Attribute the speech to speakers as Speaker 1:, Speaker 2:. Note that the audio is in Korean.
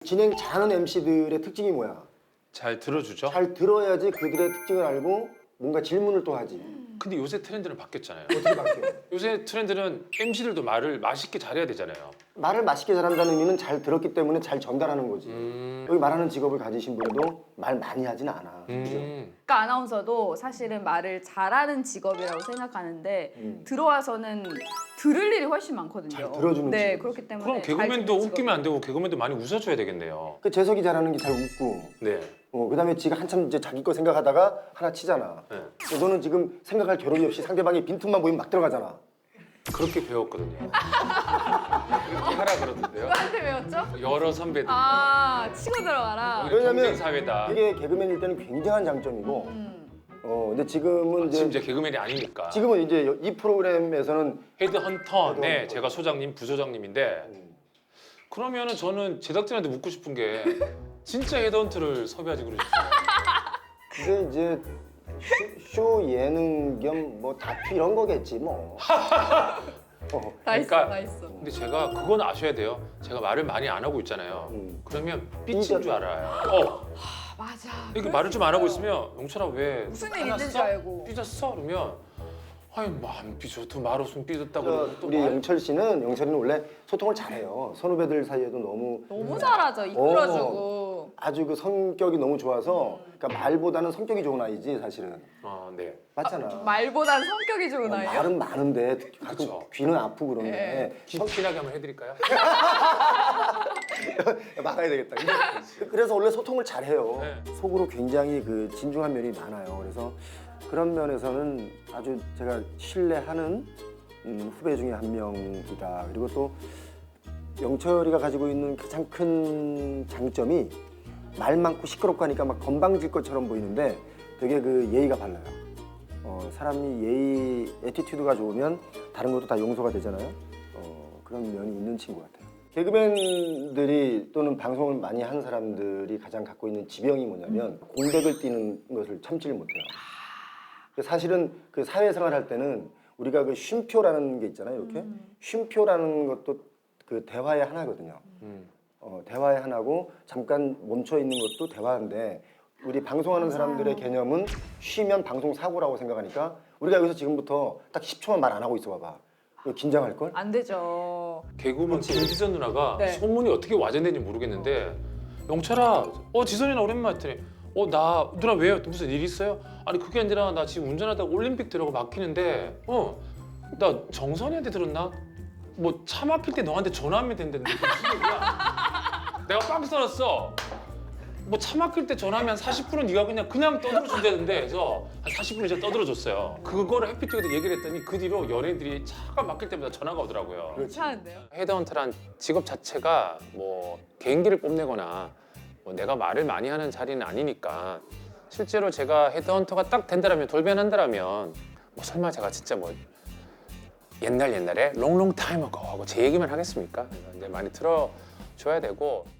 Speaker 1: 진행 잘하는 MC들의 특징이 뭐야?
Speaker 2: 잘 들어주죠.
Speaker 1: 잘 들어야지 그들의 특징을 알고 뭔가 질문을 또 하지.
Speaker 2: 근데 요새 트렌드는 바뀌었잖아요.
Speaker 1: 어떻게 바뀌어?
Speaker 2: 요새 트렌드는 MC들도 말을 맛있게 잘해야 되잖아요.
Speaker 1: 말을 맛있게 잘한다는 의미는 잘 들었기 때문에 잘 전달하는 거지. 여기 말하는 직업을 가지신 분도 말 많이 하진 않아. 그죠?
Speaker 3: 그러니까 아나운서도 사실은 말을 잘하는 직업이라고 생각하는데 들어와서는 들을 일이 훨씬 많거든요.
Speaker 1: 잘 들어주는
Speaker 3: 네,
Speaker 1: 직업이지.
Speaker 3: 그렇기 때문에
Speaker 2: 그럼
Speaker 3: 잘
Speaker 2: 개그맨도
Speaker 3: 듣는
Speaker 2: 웃기면 안 되고 개그맨도 많이 웃어줘야 되겠네요.
Speaker 1: 그 재석이 잘하는 게 잘 웃고,
Speaker 2: 네.
Speaker 1: 그다음에 지가 한참 이제 자기 거 생각하다가 하나 치잖아.
Speaker 2: 네.
Speaker 1: 너는 지금 생각할 겨를이 없이 상대방이 빈틈만 보이면 막 들어가잖아.
Speaker 2: 그렇게 배웠거든요. 그렇게 하라 그러던데요.
Speaker 3: 누구한테 배웠죠?
Speaker 2: 여러 선배들.
Speaker 3: 아, 치고 들어가라.
Speaker 1: 왜냐면
Speaker 2: 경쟁 사회다.
Speaker 1: 이게 개그맨일 때는 굉장한 장점이고, 근데 지금은
Speaker 2: 지금
Speaker 1: 이제
Speaker 2: 이제 개그맨이 아니니까.
Speaker 1: 지금은 이제 이 프로그램에서는
Speaker 2: 헤드헌터. 네,
Speaker 1: 헤드헌터.
Speaker 2: 제가 소장님, 부소장님인데 그러면은 저는 제작진한테 묻고 싶은 게 진짜 헤드헌터를 섭외하지 그러셨어요.
Speaker 1: 근데 이제 쇼 예능 겸 뭐 다큐 이런 거겠지 뭐.
Speaker 3: 다 있어,
Speaker 2: 그러니까-
Speaker 3: 다 있어.
Speaker 2: 근데 제가 그건 아셔야 돼요. 제가 말을 많이 안 하고 있잖아요. 그러면 삐친 줄 알아요.
Speaker 3: 아, 맞아.
Speaker 2: 이렇게 말을 좀 안 하고 있으면 영철아 왜
Speaker 3: 무슨 일
Speaker 2: 화났어?
Speaker 3: 있는 줄 알고.
Speaker 2: 삐졌어? 그러면 아니 뭐안 삐졌어. 말 없으면 삐졌다고
Speaker 1: 저,
Speaker 2: 그러고 또
Speaker 1: 우리
Speaker 2: 말-
Speaker 1: 영철이는 원래 소통을 잘해요. 선후배들 사이에도
Speaker 3: 너무 잘하죠. 이끌어주고.
Speaker 1: 아주 그 성격이 너무 좋아서 그러니까 말보다는 성격이 좋은 아이지 사실은.
Speaker 2: 네.
Speaker 1: 맞잖아.
Speaker 3: 말보단 성격이 좋은 아이요?
Speaker 1: 말은 많은데 가끔
Speaker 2: 그쵸.
Speaker 1: 귀는 아프고 그런데
Speaker 3: 네.
Speaker 2: 기피나게 한번 해드릴까요?
Speaker 1: 막아야 되겠다. 그래서 원래 소통을 잘해요.
Speaker 2: 네.
Speaker 1: 속으로 굉장히 그 진중한 면이 많아요. 그래서 그런 면에서는 아주 제가 신뢰하는 후배 중에 한 명이다. 그리고 또 영철이가 가지고 있는 가장 큰 장점이 말 많고 시끄럽고 하니까 막 건방질 것처럼 보이는데 되게 그 예의가 발라요. 사람이 예의, 애티튜드가 좋으면 다른 것도 다 용서가 되잖아요. 그런 면이 있는 친구 같아요. 개그맨들이 또는 방송을 많이 한 사람들이 가장 갖고 있는 지병이 뭐냐면 공백을 띄는 것을 참지를 못해요. 사실은 그 사회생활 할 때는 우리가 그 쉼표라는 게 있잖아요. 이렇게 쉼표라는 것도 그 대화의 하나거든요. 대화의 하나고 잠깐 멈춰 있는 것도 대화인데 우리 방송하는 사람들의 개념은 쉬면 방송 사고라고 생각하니까 우리가 여기서 지금부터 딱 10초만 말 안 하고 있어 봐봐. 이거 긴장할 걸?
Speaker 3: 안 되죠.
Speaker 2: 개그우먼 김지선 누나가
Speaker 3: 네.
Speaker 2: 소문이 어떻게 와전된지 모르겠는데 영철아, 지선이 나 오랜만에 했더니 나 누나 왜요? 무슨 일 있어요? 아니 그게 아니라 나 지금 운전하다가 올림픽 들어가 막히는데 나 정선이한테 들었나? 뭐 차 막힐 때 너한테 전화하면 된다는데 그게 무슨 얘기야? 내가 빵 써놨어. 뭐 차 막힐 때 전화하면 40분은 네가 그냥 떠들어 준다는데 해서 한 40분 이제 떠들어 줬어요. 그거를 해피투게더 얘기를 했더니 그 뒤로 연예인들이 차가 막힐 때마다 전화가 오더라고요.
Speaker 3: 괜찮은데요?
Speaker 2: 헤드헌터란 직업 자체가 뭐 개인기를 뽐내거나 뭐 내가 말을 많이 하는 자리는 아니니까 실제로 제가 헤드헌터가 딱 된다라면 돌변한다라면 뭐 설마 제가 진짜 뭐 옛날에 롱롱 타임 어고 하고 제 얘기만 하겠습니까? 이제 많이 들어줘야 되고